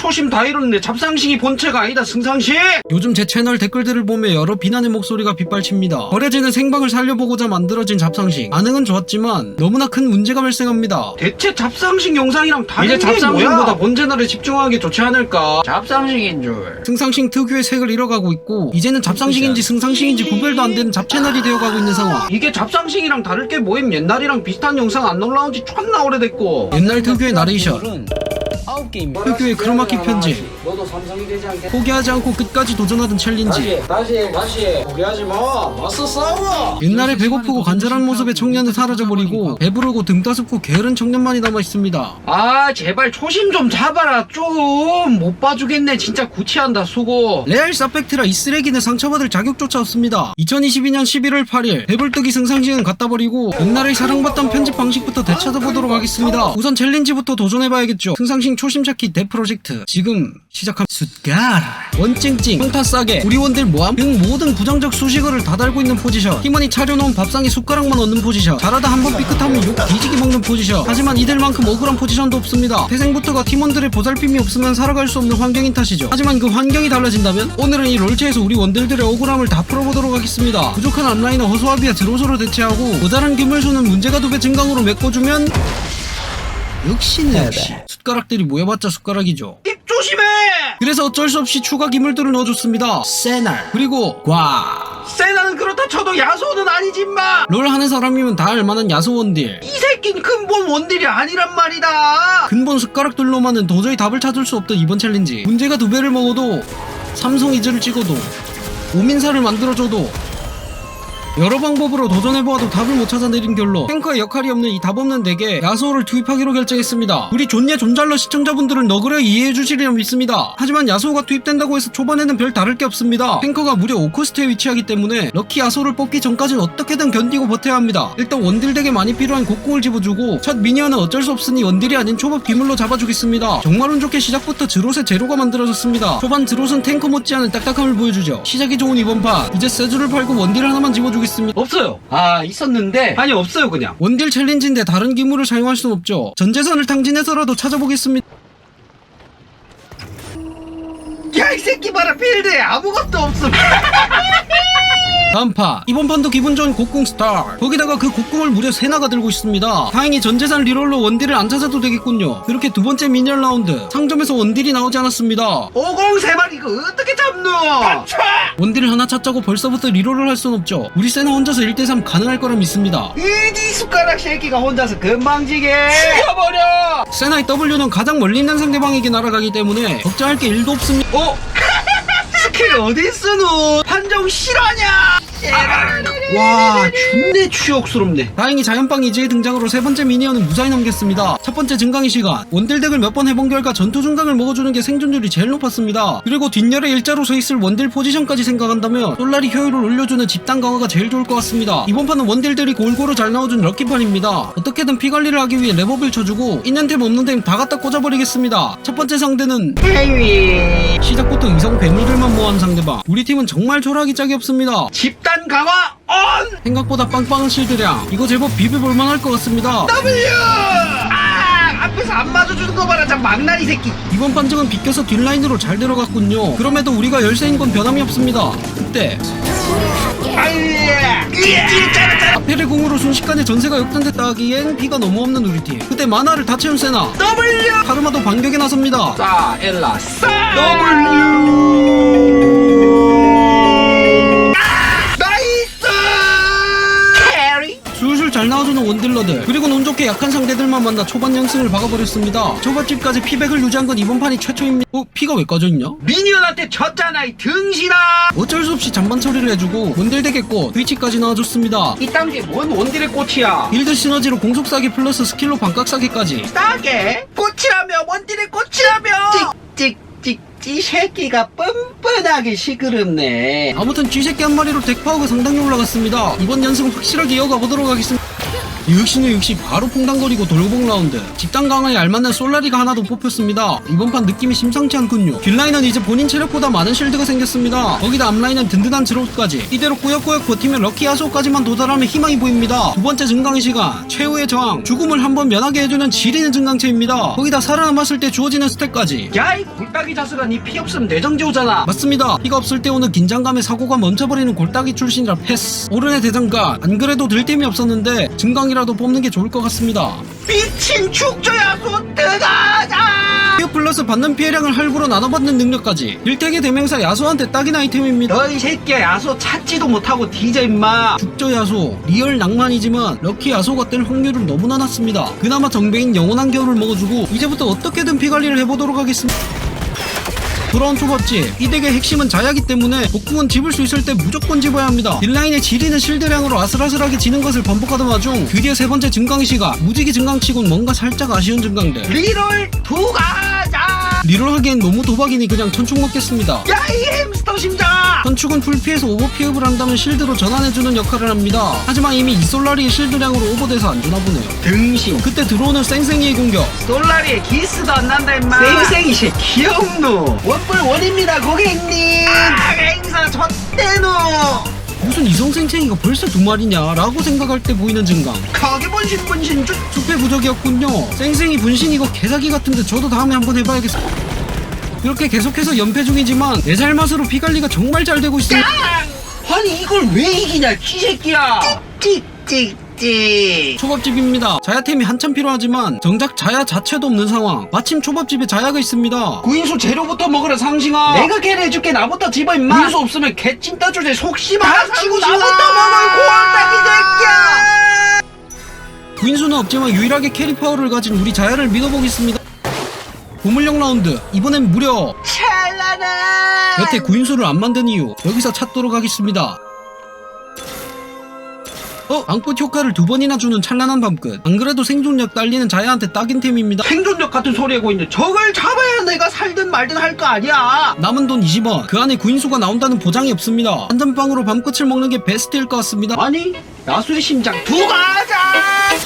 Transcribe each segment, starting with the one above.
초심 다 잃었네. 잡상식이 본체가 아니다. 승상식. 요즘 제 채널 댓글들을 보며 여러 비난의 목소리가 빗발칩니다. 버려지는 생방을 살려보고자 만들어진 잡상식. 반응은 좋았지만 너무나 큰 문제가 발생합니다. 대체 잡상식 영상이랑 다른 이제 게 뭐야? 잡상식보다 본 채널에 집중하기 좋지 않을까? 잡상식인 줄. 승상식 특유의 색을 잃어가고 있고 이제는 잡상식인지 승상식인지 구별도 안 되는 잡채널이 되어가고 있는 상황. 이게 잡상식이랑 다를 게 뭐임? 옛날이랑 비슷한 영상 안 올라온 지 존나 오래됐고. 옛날 특유의 나레이션, 특유의 크로마키 편집, 너도 삼성이 되지 않겠? 포기하지 않고 끝까지 도전하던 챌린지, 다시 포기하지 마. 맞서 싸워. 옛날에 배고프고 간절한 모습의 청년은 사라져버리고 배부르고 등 따숩고 게으른 청년만이 남아있습니다. 아 제발 초심 좀 잡아라. 좀 못 봐주겠네. 진짜 구치한다. 수고. 레알 사팩트라 이 쓰레기는 상처받을 자격조차 없습니다. 2022년 11월 8일 배불뜨기 승상식은 갖다 버리고 옛날에 사랑받던 편집 방식부터 되찾아보도록 하겠습니다. 우선 챌린지부터 도전해봐야겠죠. 승상식 초심찾기 대프로젝트 지금 시작합니다. 숫갈 원찡찡 평타 싸게 우리 원딜 모함 등 모든 부정적 수식어를 다 달고 있는 포지션. 팀원이 차려놓은 밥상에 숟가락만 얹는 포지션. 잘하다 한번 삐끗하면 욕 뒤지게 먹는 포지션. 하지만 이들만큼 억울한 포지션도 없습니다. 태생부터가 팀원들의 보살핌이 없으면 살아갈 수 없는 환경인 탓이죠. 하지만 그 환경이 달라진다면 오늘은 이 롤체에서 우리 원딜들의 억울함을 다 풀어보도록 하겠습니다. 부족한 앞라인은 허수아비와 드로소로 대체하고 모자란 기물수는 문제가 2배 증강으로 메꿔주면 역시는 숟가락들이 모여봤자 숟가락이죠. 입 조심해. 그래서 어쩔 수 없이 추가 기물들을 넣어줬습니다. 세날 그리고 과. 세나는 그렇다 쳐도 야소는 아니지 임마. 롤 하는 사람이면 다 알만한 야소 원딜. 이 새끼는 근본 원딜이 아니란 말이다. 근본 숟가락들로만은 도저히 답을 찾을 수 없던 이번 챌린지. 문제가 2배를 먹어도 삼성 이즈를 찍어도 오민사를 만들어줘도 여러 방법으로 도전해보아도 답을 못 찾아내린 결로 탱커의 역할이 없는 이 답 없는 덱에 야소를 투입하기로 결정했습니다. 우리 존예 존잘러 시청자분들은 너그러 이해해주시리라 믿습니다. 하지만 야소가 투입된다고 해서 초반에는 별 다를 게 없습니다. 탱커가 무려 5코스트에 위치하기 때문에 럭키 야소를 뽑기 전까지는 어떻게든 견디고 버텨야 합니다. 일단 원딜 덱에 많이 필요한 곡궁을 집어주고 첫 미니언은 어쩔 수 없으니 원딜이 아닌 초밥 귀물로 잡아주겠습니다. 정말 운 좋게 시작부터 드롯의 제로가 만들어졌습니다. 초반 드롯은 탱커 못지않은 딱딱함을 보여주죠. 시작이 좋은 이번 판 이제 세주를 팔고 원딜 하나만 집어주겠습니다. 없어요. 아 있었는데 아니 없어요 그냥. 원딜 챌린지인데 다른 기물을 사용할 순 없죠. 전재산을 탕진해서라도 찾아보겠습니다. 야 이 새끼 봐라 필드에 아무것도 없음. 다음 판 이번 판도 기분 좋은 곡궁 스타. 거기다가 그 곡궁을 무려 3나가 들고 있습니다. 다행히 전재산 리롤로 원딜을 안 찾아도 되겠군요. 그렇게 두 번째 미니언 라운드 상점에서 원딜이 나오지 않았습니다. 503발 이거 어떻게 잡노? 원딜을 하나 찾자고 벌써부터 리롤을 할 순 없죠. 우리 세나 혼자서 1대3 가능할 거라 믿습니다. 이디 숟가락 새끼가 혼자서 건방지게 죽여버려. 세나의 W는 가장 멀리 있는 상대방에게 날아가기 때문에 걱정할 게 1도 없습니다. 스킬 어디 쓰노? 판정 실화냐? 와 존내 추억스럽네. 다행히 자연빵 이즈의 등장으로 세 번째 미니언은 무사히 넘겼습니다. 첫 번째 증강의 시간. 원딜 덱을 몇 번 해본 결과 전투 증강을 먹어주는 게 생존율이 제일 높았습니다. 그리고 뒷열에 일자로 서있을 원딜 포지션까지 생각한다면 솔라리 효율을 올려주는 집단 강화가 제일 좋을 것 같습니다. 이번 판은 원딜들이 골고루 잘 나와준 럭키판입니다. 어떻게든 피 관리를 하기 위해 랩업을 쳐주고 있는 템 없는 템 다 갖다 꽂아버리겠습니다. 첫 번째 상대는 헤이위. 시작부터 이성 괴물들만 모아한 상대방. 우리 팀은 정말 초라하기 짝이 없습니다. 집단 강화 온. 생각보다 빵빵한 실드량. 이거 제법 비벼볼만 할 것 같습니다. W. 앞에서 안 맞아주는 거 봐라. 저 망나니 새끼. 이번 판정은 비껴서 뒷라인으로 잘 들어갔군요. 그럼에도 우리가 열세인 건 변함이 없습니다. 그때 아펠의 공으로 순식간에 전세가 역전됐다 하기엔 피가 너무 없는 우리 팀. 그때 만화를 다 채운 세나 W. 카르마도 반격에 나섭니다. 싸 엘라 싸 W. 술술 잘 나와주는 원딜러들 그리고 운 좋게 약한 상대들만 만나 초반 연승을 박아버렸습니다. 초밥집까지 피백을 유지한 건 이번 판이 최초입니다. 피가 왜 꺼져있냐? 미니언한테 졌잖아 이 등신아. 어쩔 수 없이 잔반 처리를 해주고 원딜 되겠고 트위치까지 나와줬습니다. 이딴 게 뭔 원딜의 꽃이야. 빌드 시너지로 공속사기 플러스 스킬로 반각사기까지. 싸게 꽃이라며 원딜의 꽃이라며. 찍찍찍 이 새끼가 뻔뻔하게 시끄럽네. 아무튼 쥐새끼 한 마리로 덱파워가 상당히 올라갔습니다. 이번 연승 확실하게 이어가 보도록 하겠습니다. 역시 바로 퐁당거리고 돌고봉 라운드. 집단 강화에 알맞는 솔라리가 하나 더 뽑혔습니다. 이번 판 느낌이 심상치 않군요. 뒷라인은 이제 본인 체력보다 많은 실드가 생겼습니다. 거기다 앞라인은 든든한 드롭까지. 이대로 꾸역꾸역 버티면 럭키 야소까지만 도달하면 희망이 보입니다. 두 번째 증강의 시간, 최후의 저항, 죽음을 한번 면하게 해주는 지리는 증강체입니다. 거기다 살아남았을 때 주어지는 스택까지. 야, 이 골딱이 자스가 니 피 없으면 내정지 오잖아. 맞습니다. 피가 없을 때 오는 긴장감에 사고가 멈춰버리는 골딱이 출신이라 패스. 오른의 대장간, 안 그래도 들 템이 없었는데 증강이라도 뽑는 게 좋을 것 같습니다. 미친 축조야 소 뜨가자. 피어 플러스 받는 피해량을 할부로 나눠받는 능력까지. 일택의 대명사 야소한테 딱인 아이템입니다. 너 이 새끼야 야소 찾지도 못하고 뒤져 임마. 죽저 야소, 리얼 낭만이지만 럭키 야소가 뜰 확률은 너무나 낮습니다. 그나마 정배인 영원한 겨울을 먹어주고 이제부터 어떻게든 피관리를 해보도록 하겠습니다. 돌아온 초밥집. 이 덱의 핵심은 자야기 때문에 복궁은 집을 수 있을 때 무조건 집어야 합니다. 딜라인의 지리는 실드량으로 아슬아슬하게 지는 것을 반복하던 와중 드디어 세 번째 증강의 시간. 무지개 증강치곤 뭔가 살짝 아쉬운 증강들. 리롤 두가자. 리롤하기엔 너무 도박이니 그냥 천축 먹겠습니다. 야, 이 햄스터 심장아. 천축은 풀피해서 오버 피업을 한다면 실드로 전환해주는 역할을 합니다. 하지만 이미 이솔라리의 실드량으로 오버돼서 안 주나 보네요. 등신. 그때 들어오는 쌩쌩이의 공격. 솔라리에 기스도 안 난다 임마. 쌩쌩이 새 귀엽노. 원뿔 원입니다 고객님. 아, 행사 젖대노. 무슨 이성생생이가 벌써 두 마리냐 라고 생각할 때 보이는 증강. 거기 분신 쭉. 숲의 부적이었군요. 쌩쌩이 분신 이거 개사기 같은데 저도 다음에 한번 해봐야겠어. 이렇게 계속해서 연패 중이지만 내 잘맛으로 피관리가 정말 잘 되고 있어요. 아니 이걸 왜 이기냐 기새끼야. 찍찍찍찍. 초밥집입니다. 자야템이 한참 필요하지만 정작 자야 자체도 없는 상황. 마침 초밥집에 자야가 있습니다. 구인수 재료부터 먹으라 상징아. 내가 걔를 해줄게. 나부터 집어 임마. 구인수 없으면 개찐 따주제 속심아. 다치고 나부터 먹을 골딱이 새끼야. 구인수는 없지만 유일하게 캐리 파워를 가진 우리 자야를 믿어보겠습니다. 보물력 라운드. 이번엔 무려 찰나나. 여태 구인수를 안 만든 이유 여기서 찾도록 하겠습니다. 앙꽃 효과를 두 번이나 주는 찬란한 밤끝. 안 그래도 생존력 딸리는 자야한테 딱인 템입니다. 생존력 같은 소리 하고 있는데 저걸 잡아야 내가 살든 말든 할 거 아니야. 남은 돈 20원. 그 안에 구인수가 나온다는 보장이 없습니다. 한 잔빵으로 밤끝을 먹는 게 베스트일 것 같습니다. 아니 야수의 심장 두 가자.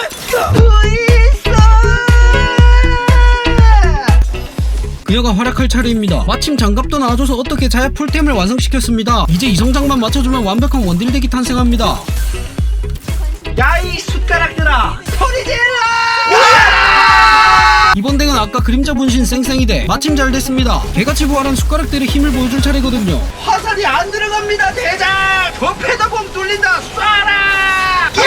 그녀가 활약할 차례입니다. 마침 장갑도 나와줘서 어떻게 자야 풀템을 완성시켰습니다. 이제 이성장만 맞춰주면 완벽한 원딜덱이 탄생합니다. 야, 이 숟가락들아 소리 질러. 이번 덱은 아까 그림자 분신 쌩쌩이대. 마침 잘 됐습니다. 개같이 부활한 숟가락들의 힘을 보여줄 차례거든요. 화살이 안 들어갑니다 대장. 저 페다공 뚫린다. 쏴라.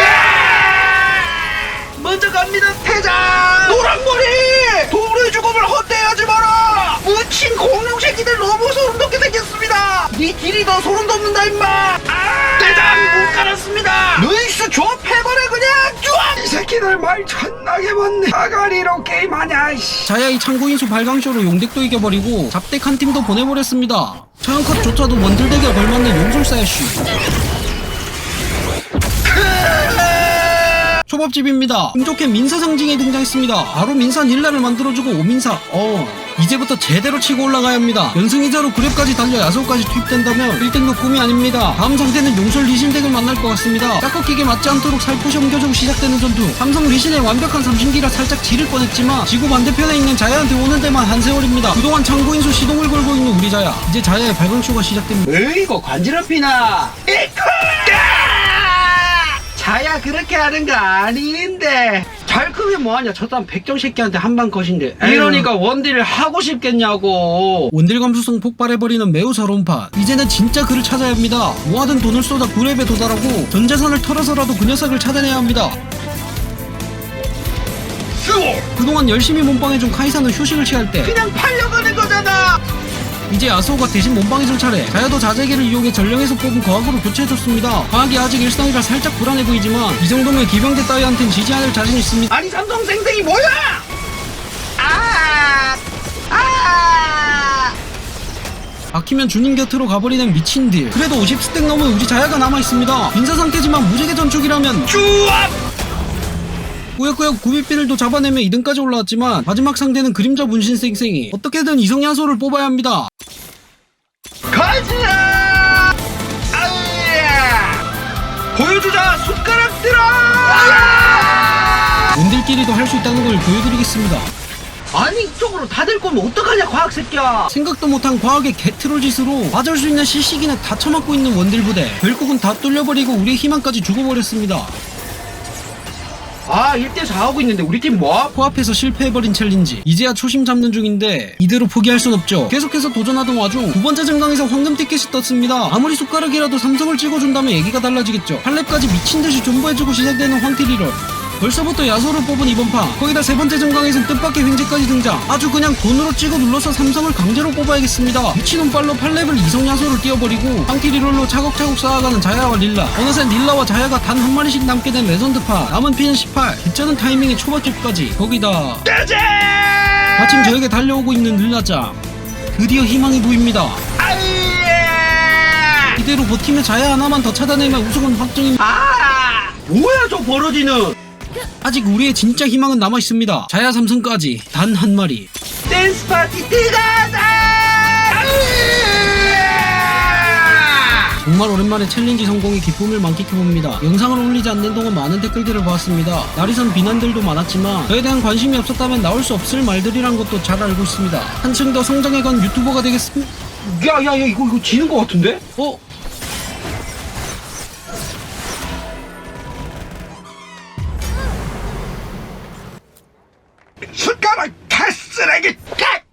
먼저 갑니다 대장. 노랑머리 도물의 죽음을 헛되하지 마라. 묻힌 공룡 새끼들 너무 소름 돋게 생겼습니다. 네 딜이 더 소름 돋는다 임마. 대장 못 갈았습니다. 루이스 조합해버려 그냥. 쭈아. 이 새끼들 말 존나게 많네. 아가리로 게임하냐 이씨. 자야의 창고인수 발광쇼로 용덱도 이겨버리고 잡덱 한 팀도 보내버렸습니다. 처형컷조차도 원딜덱에 걸맞는 용술사야쉬. 초밥집입니다. 운 좋게 민사 상징에 등장했습니다. 바로 민사 닐라를 만들어주고 오민사. 이제부터 제대로 치고 올라가야 합니다. 연승이자로 그랩까지 달려 야소까지 투입된다면 1등도 꿈이 아닙니다. 다음 상대는 용솔 리신덱을 만날 것 같습니다. 짝꺾기게 맞지 않도록 살포시 옮겨주고 시작되는 전투. 삼성 리신의 완벽한 삼신기라 살짝 지를 뻔했지만 지구 반대편에 있는 자야한테 오는 데만 한 세월입니다. 그동안 창고인수 시동을 걸고 있는 우리 자야. 이제 자야의 발광쇼가 시작됩니다. 으이고 관지럽히나. 자야 그렇게 하는 거 아닌데. 잘 크면 뭐하냐. 저 사람 백정 새끼한테 한방 컷인데. 이러니까 원딜을 하고 싶겠냐고. 원딜 감수성 폭발해버리는 매우 서러운 판. 이제는 진짜 그를 찾아야 합니다. 모아둔 돈을 쏟아 9렙에 도달하고 전 재산을 털어서라도 그 녀석을 찾아내야 합니다. 그동안 열심히 몸빵해준 카이사는 휴식을 취할 때 그냥 팔려가는 거잖아. 이제 야소가 대신 몸빵해줄 차례. 자야도 자재기를 이용해 전령에서 뽑은 거학으로 교체해줬습니다. 과학이 아직 일상이라 살짝 불안해 보이지만 이 정도면 기병대 따위한텐 지지 않을 자신 있습니다. 아니 삼성 생생이 뭐야. 막히면 주님 곁으로 가버리는 미친 딜. 그래도 50스택 넘은 우리 자야가 남아있습니다. 빈사 상태지만 무지개 전축이라면 쭈압. 꾸역꾸역 구비핀을도 잡아내며 2등까지 올라왔지만 마지막 상대는 그림자 분신 쌩쌩이. 어떻게든 이성야소를 뽑아야 합니다. 가자. 보여주자 숟가락 들어. 님들끼리도 할 수 있다는 걸 보여드리겠습니다. 아니 이쪽으로 다 될 거면 어떡하냐 과학 새끼야. 생각도 못한 과학의 개트롤 짓으로 맞을 수 있는 CC기는 다 처맞고 있는 원딜 부대. 결국은 다 뚫려버리고 우리의 희망까지 죽어버렸습니다. 아 1대4 하고 있는데 우리 팀 뭐? 코앞에서 실패해버린 챌린지. 이제야 초심 잡는 중인데 이대로 포기할 순 없죠. 계속해서 도전하던 와중 두 번째 증강에서 황금 티켓이 떴습니다. 아무리 숟가락이라도 삼성을 찍어준다면 얘기가 달라지겠죠. 8렙까지 미친듯이 존버해주고 시작되는 황티리롤. 벌써부터 야소를 뽑은 이번 판. 거기다 세 번째 증강에선 뜻밖의 횡재까지 등장. 아주 그냥 돈으로 찍어 눌러서 삼성을 강제로 뽑아야겠습니다. 미친놈 빨로 8렙을 이성 야소를 띄워버리고 황티리롤로 차곡차곡 쌓아가는 자야와 릴라. 어느새 릴라와 자야가 단 한 마리씩 남게 된 레전드판. 남은 피는 18. 괜찮은 타이밍에 초밥집까지. 거기다 짜잔! 마침 저에게 달려오고 있는 릴라짱. 드디어 희망이 보입니다. 아예! 이대로 버티면 자야 하나만 더 찾아내면 우승은 확정입니다. 아! 뭐야 저 버러지는? 아직 우리의 진짜 희망은 남아있습니다. 자야 삼성까지 단 한 마리. 댄스 파티 들어가자! 정말 오랜만에 챌린지 성공의 기쁨을 만끽해봅니다. 영상을 올리지 않는 동안 많은 댓글들을 보았습니다. 날이선 비난들도 많았지만 저에 대한 관심이 없었다면 나올 수 없을 말들이란 것도 잘 알고 있습니다. 한층 더 성장해간 유튜버가 되겠습니다. 야야야 이거 지는 거 같은데? 숟가락 다 쓰레기